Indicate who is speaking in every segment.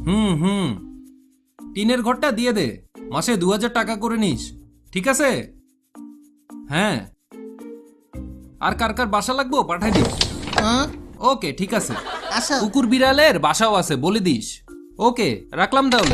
Speaker 1: হুম টিনের ঘরটা দিয়ে দে, মাসে 2000 টাকা করে নিস, ঠিক আছে? হ্যাঁ, আর কার কার বাসা লাগবো পাঠাই দিস।
Speaker 2: হুম,
Speaker 1: ওকে, ঠিক আছে।
Speaker 2: আসো।
Speaker 1: কুকুর বিড়ালের বাসাও আছে, বলে দিস। ওকে, রাখলাম তাহলে।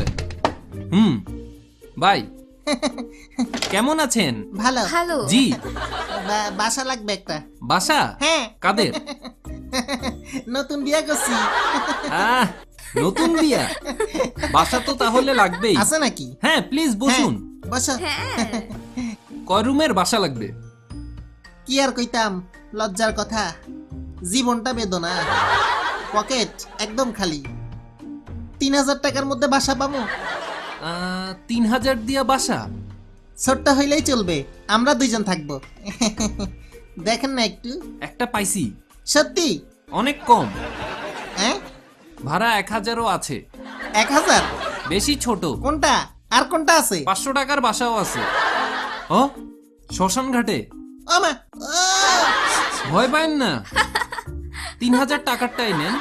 Speaker 1: বাই। কেমন আছেন?
Speaker 2: ভালো।
Speaker 3: হ্যালো।
Speaker 1: জি।
Speaker 2: বাসা লাগবে একটা।
Speaker 1: বাসা?
Speaker 2: হ্যাঁ।
Speaker 1: কাদের?
Speaker 2: নতুন বিয়ে করছি।
Speaker 1: আহ, নতুন বিয়া, বাসা তো তাহলে লাগবেই।
Speaker 2: আছে নাকি?
Speaker 1: হ্যাঁ, প্লিজ বসুন।
Speaker 2: হ্যাঁ, বসো।
Speaker 3: হ্যাঁ,
Speaker 1: কয় রুমের বাসা লাগবে?
Speaker 2: কি আর কইতাম, লজ্জার কথা। জীবনটা বেদনা, পকেট একদম খালি। 3000 টাকার মধ্যে বাসা পাবো?
Speaker 1: 3000 দিয়া বাসা?
Speaker 2: ছোট্ট হইলেই চলবে, আমরা দুইজন থাকবো। দেখেন না একটু।
Speaker 1: একটা পাইছি,
Speaker 2: সত্যি?
Speaker 1: অনেক কম।
Speaker 2: হ্যাঁ,
Speaker 1: ভাড়া 1000ও আছে।
Speaker 2: 1000?
Speaker 1: বেশি ছোট।
Speaker 2: কোনটা আর কোনটা আছে?
Speaker 1: 500 টাকার বাসাও আছে। ও, শ্মশান ঘাটে।
Speaker 2: ও মা, ও!
Speaker 1: ভয় পায়েন না, 3000 টাকারটাই নেন।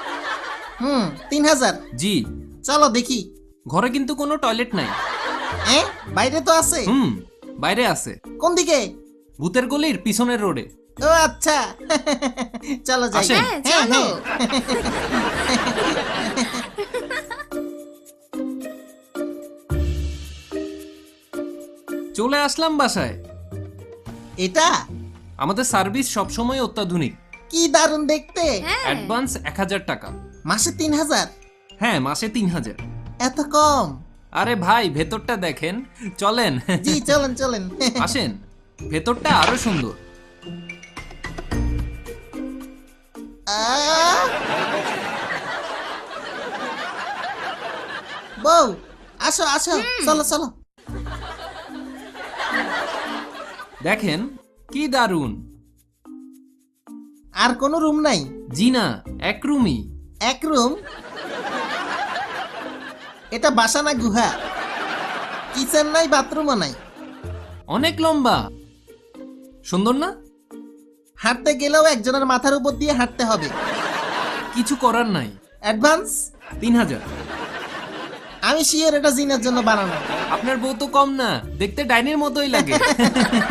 Speaker 2: 3000?
Speaker 1: জি।
Speaker 2: চলো দেখি।
Speaker 1: ঘরে কিন্তু কোনো টয়লেট নাই।
Speaker 2: বাইরে তো আছে।
Speaker 1: বাইরে আছে,
Speaker 2: কোন দিকে?
Speaker 1: ভূতের গলির পিছনের রোডে।
Speaker 2: ও আচ্ছা। চলো যাই।
Speaker 1: আসেন।
Speaker 3: হ্যাঁ, চলো।
Speaker 1: চলে আসলাম বাসায়।
Speaker 2: এটা
Speaker 1: আমাদের সার্ভিস সবসময় অত্যাধুনিক।
Speaker 2: কি দারুণ দেখতে।
Speaker 3: হ্যাঁ,
Speaker 1: অ্যাডভান্স 1000 টাকা।
Speaker 2: মাসে 3000?
Speaker 1: হ্যাঁ, মাসে 3000।
Speaker 2: এত কম?
Speaker 1: আরে ভাই, ভেতরটা দেখেন, চলেন।
Speaker 2: জি চলেন চলেন।
Speaker 1: আসেন, ভেতরটা আরো সুন্দর।
Speaker 2: আহ! বউ, আসো আসো, চলো চলো।
Speaker 1: দেখেন কি দারুন।
Speaker 2: আর কোনো রুম নাই?
Speaker 1: জি না, এক রুমই।
Speaker 2: এক রুম? এটা বাসা না গুহা? কিচেন নাই, বাথরুমও নাই।
Speaker 1: অনেক লম্বা, সুন্দর না?
Speaker 2: হাঁটতে গেলেও একজনের মাথার উপর দিয়ে হাঁটতে হবে।
Speaker 1: কিছু করার নাই।
Speaker 2: অ্যাডভান্স?
Speaker 1: 3000।
Speaker 2: আমি শিওর এটা জিনের জন্য বানানো।
Speaker 1: আপনার বউ তো কম না, দেখতে ডাইনির মতোই লাগে।